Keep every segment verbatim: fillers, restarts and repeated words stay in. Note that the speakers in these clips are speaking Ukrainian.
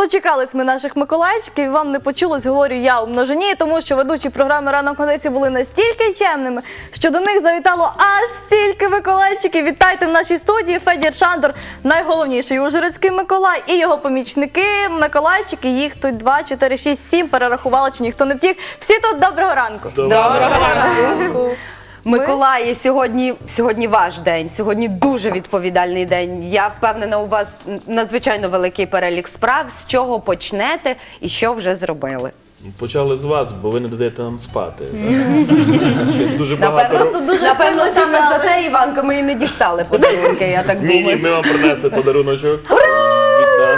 Дочекались ми наших Миколайчиків, і вам не почулось, говорю я у множині, тому що ведучі програми «Ранок на тисі» були настільки чемними, що до них завітало аж стільки Миколайчиків. Вітайте в нашій студії Федір Шандор, найголовніший ужгородський Миколай, і його помічники, Миколайчики, їх тут два, чотири, шість, сім, перерахували, чи ніхто не втік. Всі тут доброго ранку. Доброго ранку. Миколаї, сьогодні, сьогодні ваш день, сьогодні дуже відповідальний день. Я впевнена, у вас надзвичайно великий перелік справ. З чого почнете і що вже зробили? Почали з вас, бо ви не даєте нам спати. Ще дуже багато. Напевно, дуже напевно сильно саме чекали. за те, Іванка, ми і не дістали подарунки, я так Ні, ні, думаю. ми вам принесли подаруночок від нас.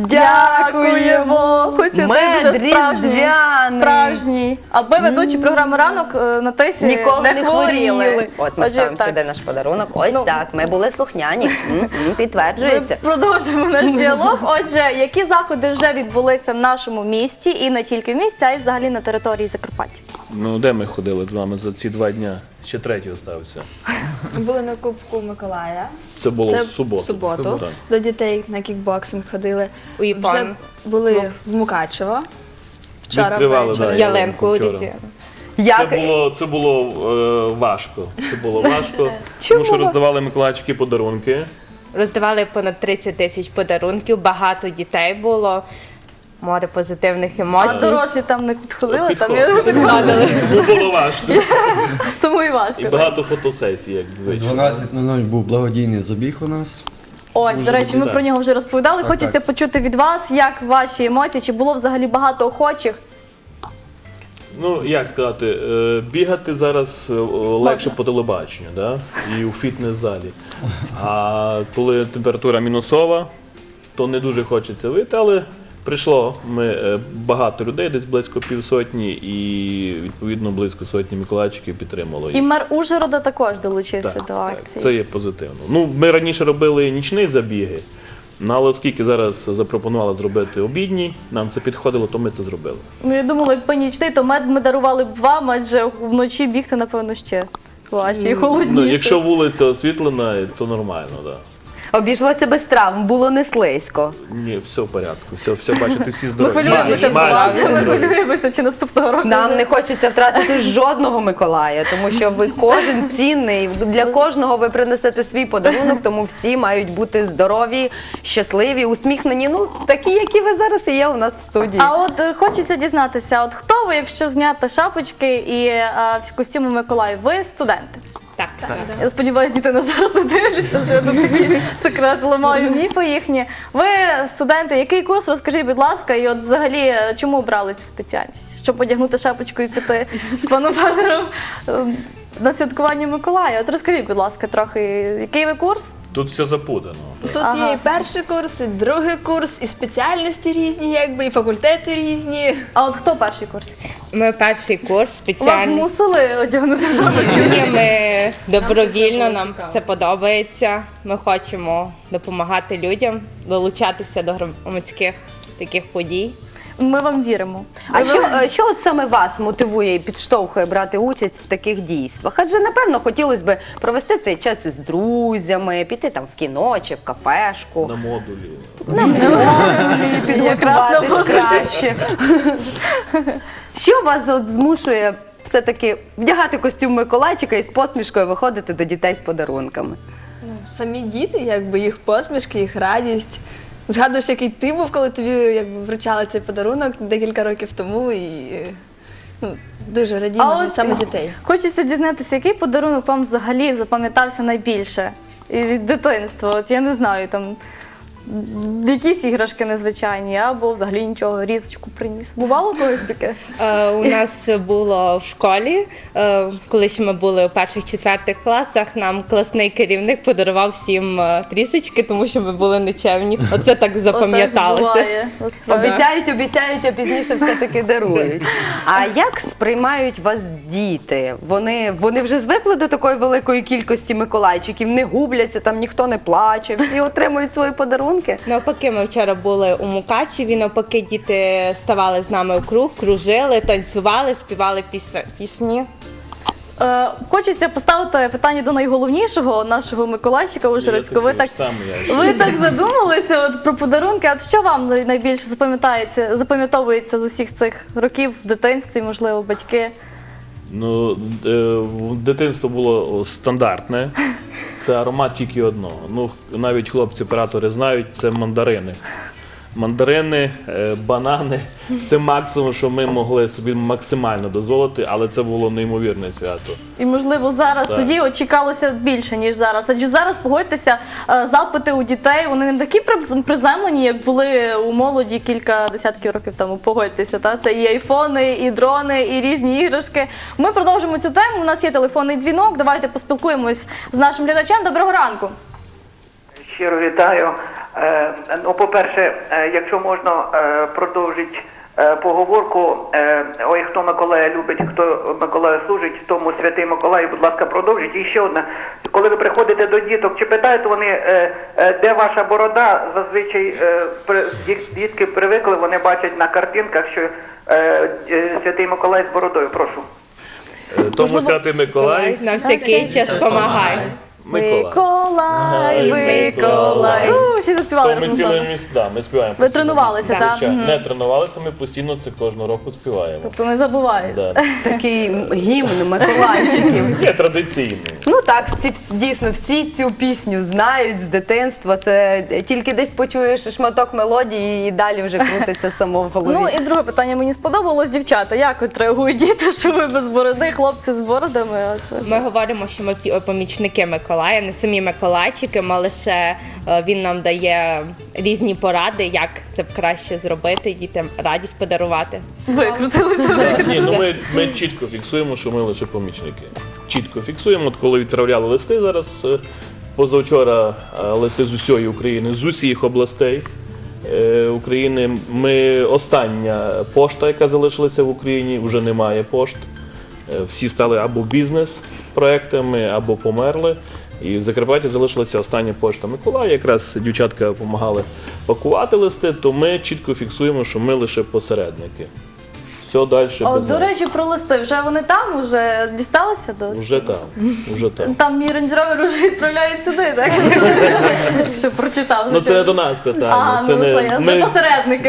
Дякуємо! Хочу Мед дуже справжній. різдвяний. Справжній. Аби ведучі програми «Ранок» е, на тисі Ніколи не не хворіли. хворіли. От ми Отже, ставимо так. сюди наш подарунок. Ось Ну. так, ми були слухняні. М, м, Ми Підтверджується. продовжимо наш діалог. Отже, які заходи вже відбулися в нашому місті і не тільки в місті, а й взагалі на території Закарпаття? Ну, де ми ходили з вами за ці два дня? Ще третій остався. Були на Кубку Миколая. Це було Це в суботу. в суботу. Так. До дітей на кікбоксинг ходили. У Іпан. Вже були в Мукачево. Вчора Відкривали, ввечері. да, Ялинку вчора. різдвяну. Як? Це було, це було е, важко. Це було важко, тому що роздавали Миколайчики подарунки. Роздавали понад тридцять тисяч подарунків, багато дітей було, море позитивних А емоцій. дорослі там не підходили, там Підходили. я підходили, Ну, було важко. тому і важко. І багато фотосесій, як звичайно. дванадцять нуль нуль був благодійний забіг у нас. Ось, Дуже до речі, ми добре. про нього вже розповідали. Так, Хочеться так. почути від вас, як ваші емоції, чи було взагалі багато охочих? Ну, як сказати, е, бігати зараз е, легше по телебаченню, да? І у фітнес-залі. А коли температура мінусова, то не дуже хочеться вийти, але прийшло ми е, багато людей, десь близько півсотні, і відповідно близько сотні Миколайчиків підтримало їх. І мер Ужгорода також долучився Так, до так, акції. це є позитивно. Ну, ми раніше робили нічні забіги, ну, але оскільки зараз запропонували зробити обідні, нам це підходило, то ми це зробили. Ну, я думала, якби нічний, то мед ми дарували б вам, адже вночі бігти, напевно, ще важче і холодніше. Ну, якщо вулиця освітлена, то нормально, так. Да. Обійшлося без травм, було не слизько. Ні, все в порядку. Все, все бачите, всі Ми здорові. хвилюємося за Майже вас, ми здорові. хвилюємося, чи наступного року. Нам не хочеться втратити жодного Миколая, тому що ви кожен цінний, для кожного ви принесете свій подарунок, тому всі мають бути здорові, щасливі, усміхнені, ну такі, які ви зараз і є у нас в студії. А от е, хочеться дізнатися, от хто ви, якщо зняти шапочки і е, в костюмі Миколая? Ви студенти? Так, так. Я сподіваюся, діти нас зараз не дивляться, що я тут такий секрет ламаю міфи їхні. Ви студенти, який курс, розкажіть, будь ласка, і от взагалі е, чому обрали цю спеціальність? Щоб одягнути шапочку і піти з паном Федором е, на святкування Миколая. От розкажіть, будь ласка, трохи, який ви курс? Тут все запутано. Тут Ага. є і перший курс, і другий курс, і спеціальності різні, якби, і факультети різні. А от хто перший курс? Ми перший курс, Вас спеціальність. змусили одягнути шапочку? Ні, ми добровільно, нам це подобається. Ми хочемо допомагати людям, долучатися до громадських таких подій. Ми вам віримо. А що, е, що от саме вас мотивує і підштовхує брати участь в таких дійствах? Адже, напевно, хотілося б провести цей час із друзями, піти там в кіно чи в кафешку. На модулі. Підготуватись краще. Що вас от змушує все-таки вдягати костюм Миколайчика і з посмішкою виходити до дітей з подарунками? Ну, самі діти, якби, їх посмішки, їх радість. Згадуєш, який ти був, коли тобі якби, вручали цей подарунок декілька років тому, і ну, дуже радіємо А від от саме дітей. Хочеться дізнатися, який подарунок вам взагалі запам'ятався найбільше і від дитинства. От я не знаю, там якісь іграшки незвичайні, або взагалі нічого, різочку приніс. Бувало колись таке? Е, у нас було в школі, е, коли ще ми були у перших-четвертих класах, нам класний керівник подарував всім е, трісочки, тому що ми були нечемні. Оце так Отак запам'яталося. буває, насправді. Обіцяють, обіцяють, а пізніше все-таки дарують. А як сприймають вас діти? Вони, вони вже звикли до такої великої кількості Миколайчиків, не губляться, там ніхто не плаче, всі отримують свої подарунки? Навпаки, ми вчора були у Мукачеві, навпаки, діти ставали з нами у круг, кружили, танцювали, співали піс- пісні. Е, Хочеться поставити питання до найголовнішого нашого Миколайчика Ужгородського. Ви так, саме я. ви так задумалися от, про подарунки. А що вам най- найбільше запам'ятається, запам'ятовується з усіх цих років в дитинстві, можливо, батьки? Ну, е, в- дитинство було стандартне. Це аромат тільки одного. Ну, навіть хлопці-оператори знають, це мандарини. Мандарини, е, банани це максимум, що ми могли собі максимально дозволити, але це було неймовірне свято. І, можливо, зараз Так. тоді от чекалося більше, ніж зараз. Адже зараз, погодьтеся, е, запити у дітей, вони не такі приз- приземлені, як були у молоді кілька десятків років тому. Погодьтеся, та? Це і айфони, і дрони, і різні іграшки. Ми продовжимо цю тему. У нас є телефонний дзвінок. Давайте поспілкуємось з нашим глядачем. Доброго ранку. Щиро вітаю. Е, Ну, по-перше, е, якщо можна е, продовжити е, поговорку, е, ой, хто Миколая любить, хто Миколая служить, тому святий Миколай, будь ласка, продовжіть. І ще одне. Коли ви приходите до діток, чи питають вони, е, е, де ваша борода, зазвичай е, при- діт- дітки привикли, вони бачать на картинках, що е, е, святий Миколай з бородою. Прошу. Е, Тому святий Миколай. На всякий час помагай. Миколай. Миколай, Миколай. Миколай. У, Ще заспівали. То ми разом з ціле вами. місто, да, ми співаємо. Ви постійно. тренувалися, так? Звичайно. Мгм. Не тренувалися, ми постійно це кожного року співаємо. Тобто не забуваєте. Да. Такий гімн Миколайчиків. Є традиційний. Ну так, всі всі- дійсно всі цю пісню знають з дитинства. Це тільки десь почуєш шматок мелодії і далі вже крутиться само в голові. Ну і друге питання мені сподобалось, дівчата. Як от реагують діти, що ви без бороди, хлопці з бородами? От. Ми говоримо, що ми пі- помічники Миколая, не самі Миколайчики, а лише е, він нам дає різні поради, як це б краще зробити, дітям радість подарувати. Викрутилися. Ні, ну ми, ми чітко фіксуємо, що ми лише помічники. Чітко фіксуємо. От коли відправляли листи зараз, е, позавчора е, листи з усієї України, з усіх областей е, України. Ми остання пошта, яка залишилася в Україні, вже немає пошт. Е, Всі стали або бізнес-проектами, або померли. І в Закарпатті залишилася остання пошта Миколая. Якраз дівчатка допомагали пакувати листи, то ми чітко фіксуємо, що ми лише посередники. Все далі О, без до нас. речі, про листи. Вже вони там, вже дісталися до Вже там, вже там. Там мій Range Rover вже відправляють сюди, так? Що прочитав. Ну це не до нас питання. А, це ну не все, я ми... не посередники.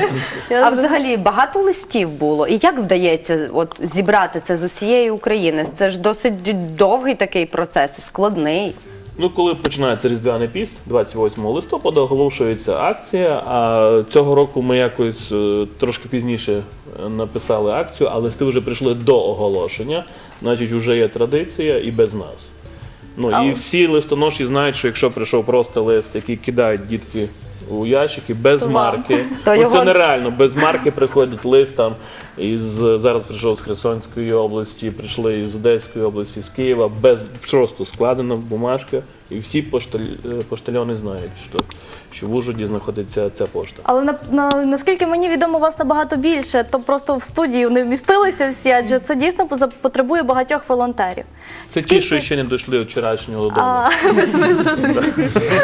Я А зрозуміла. взагалі багато листів було. І як вдається от зібрати це з усієї України? Це ж досить довгий такий процес, складний. Ну, коли починається Різдвяний піст, двадцять восьмого листопада оголошується акція, а цього року ми якось е, трошки пізніше е, написали акцію, а листи вже прийшли до оголошення, значить вже є традиція і без нас. Ну і всі листоноші знають, що якщо прийшов просто лист, який кидають дітки у ящики без То вам. марки, То ну, його- це нереально, без марки приходить лист там із зараз прийшов з Херсонської області, прийшли із Одеської області, з Києва, без просто складена бумажка, і всі пошталь, е, поштальони знають, що, що в Ужгороді знаходиться ця пошта. Але на, на, наскільки мені відомо, вас набагато більше, то просто в студію не вмістилися всі, адже це дійсно поза- потребує багатьох волонтерів. Це ті, що ще не дійшли від вчорашнього додому. А, ви зрозуміли.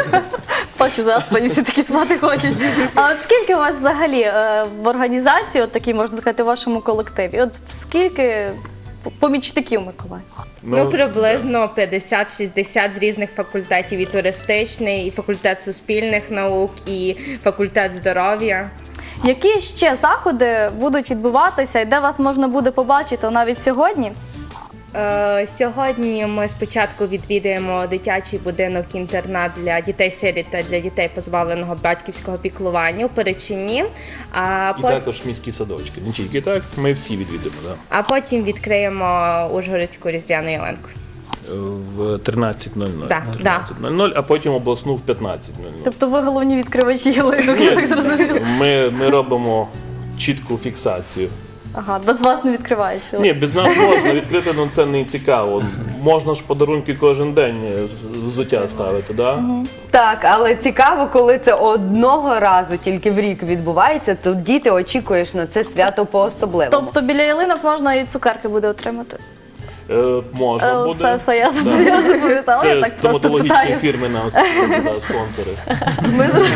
Бачу, заспані всі такі спати хочуть. А от скільки у вас взагалі е, в організації, от такій, можна сказати, в вашому колективі? От скільки помічників Миколай? Ну, приблизно п'ятдесят-шістдесят з різних факультетів, і туристичний, і факультет суспільних наук, і факультет здоров'я. Які ще заходи будуть відбуватися і де вас можна буде побачити навіть сьогодні? Е, Сьогодні ми спочатку відвідаємо дитячий будинок-інтернат для дітей-сиріт та для дітей, позбавленого батьківського піклування у Перечині. А, І пот- також міські садочки. Не тільки так, ми всі відвідимо. Да. а потім відкриємо Ужгородську різдвяну ялинку. В тринадцять нуль нуль. Да, тринадцять нуль нуль, а потім обласну в п'ятнадцять нуль нуль. Тобто ви головні відкривачі ялинок, я так зрозуміла. Ми, ми робимо чітку фіксацію. Ага, без вас не відкривається. Ні, без нас можна відкрити, але це не цікаво. Можна ж подарунки кожен день з- взуття ставити, да? Так, але цікаво, коли це одного разу тільки в рік відбувається, то діти очікуєш на це свято по-особливому. Тобто біля ялинок можна і цукерки буде отримати. Е, можна Е, буде. Все, все, я Да. я запам'ятала, я Це так просто стоматологічні питаю. фірми нас да, спонсори. Ми зр-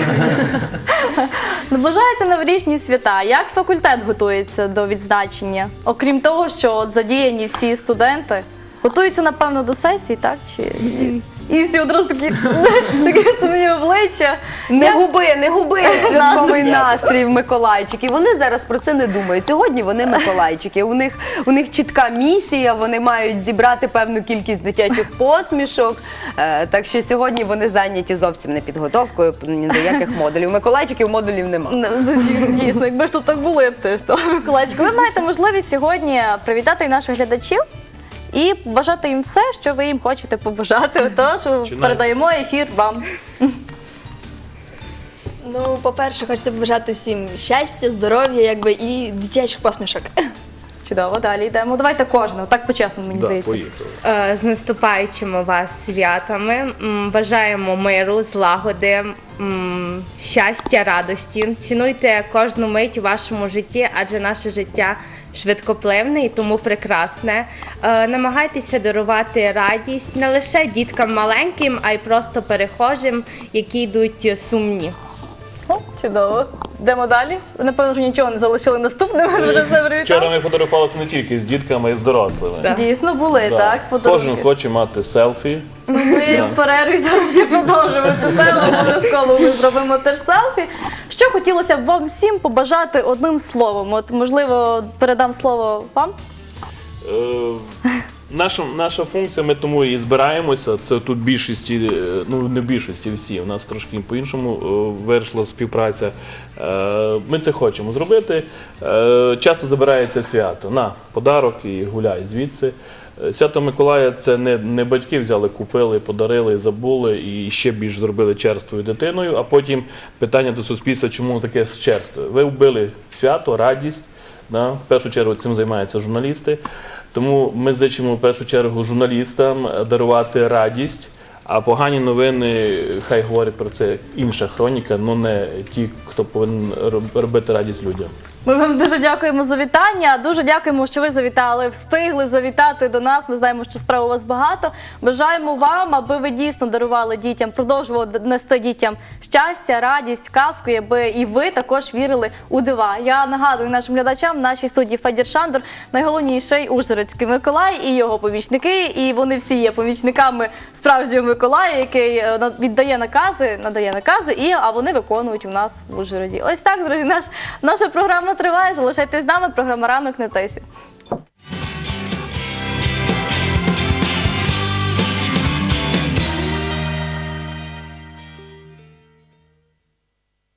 Наближаються новорічні свята. Як факультет готується до відзначення? Окрім того, що от задіяні всі студенти. Готуються, напевно, до сесії, так? Чи... І всі одразу такі, такі сумні обличчя. Не губи, не губи святковий Настрій. настрій в Миколайчики. Вони зараз про це не думають. Сьогодні вони Миколайчики. У них, у них чітка місія, вони мають зібрати певну кількість дитячих посмішок. Е, так що сьогодні вони зайняті зовсім не підготовкою ні до яких модулів. Миколайчиків модулів немає. Ну, ді- Дійсно, якби ж тут так було, я б теж стала Миколайчиком. Ви маєте можливість сьогодні привітати і наших глядачів і побажати їм все, що ви їм хочете побажати. Тож Починаємо. передаємо ефір вам. Ну, по-перше, хочеться побажати всім щастя, здоров'я, якби і дитячих посмішок. Чудово, далі йдемо. Давайте кожного, так по-чесному, мені Да, здається. поїхали. Е, З наступаючими вас святами. М, Бажаємо миру, злагоди, м, щастя, радості. Цінуйте кожну мить у вашому житті, адже наше життя швидкоплинне і тому прекрасне. Е, Намагайтеся дарувати радість не лише діткам маленьким, а й просто перехожим, які йдуть сумні. О, чудово. Йдемо далі. Ви, напевно, вже нічого не залишили наступним, ви вже все Вчора привітали. ми фотографувалися не тільки з дітками, а й з дорослими. Да. Дійсно були, Да. так? Кожен подарунки. хоче мати селфі. Ми в перерві зараз ще продовжимо цю тему, обов'язково ми зробимо теж селфі. Що хотілося б вам всім побажати одним словом? От, можливо, передам слово вам? Е, Наша, наша функція, ми тому і збираємося. Це тут більшості, е, ну не в більшості всі. У нас трошки по-іншому е, вийшла співпраця. Е, Ми це хочемо зробити. Е, Часто забирається свято. На подарок і гуляй звідси. Е, Свято Миколая це не, не батьки взяли, купили, подарили, забули і ще більш зробили черствою дитиною. А потім питання до суспільства, чому таке черство? Ви вбили свято, радість. Да? В першу чергу цим займаються журналісти. Тому ми зичимо в першу чергу журналістам дарувати радість, а погані новини хай говорять про це інша хроніка, але не ті, хто повинен роб- робити радість людям. Ми вам дуже дякуємо за вітання. Дуже дякуємо, що ви завітали, встигли завітати до нас. Ми знаємо, що справ у вас багато. Бажаємо вам, аби ви дійсно дарували дітям, продовжували нести дітям щастя, радість, казку, аби і ви також вірили у дива. Я нагадую нашим глядачам, в нашій студії Федір Шандор, найголовніший Ужгородський Миколай і його помічники. І вони всі є помічниками справжнього Миколая, який е, на- віддає накази, надає накази, і, а вони виконують у нас в Ужгороді. Ось так, друзі, наш, наша програма триває. Залишайтесь з нами. Програма «Ранок на тисі».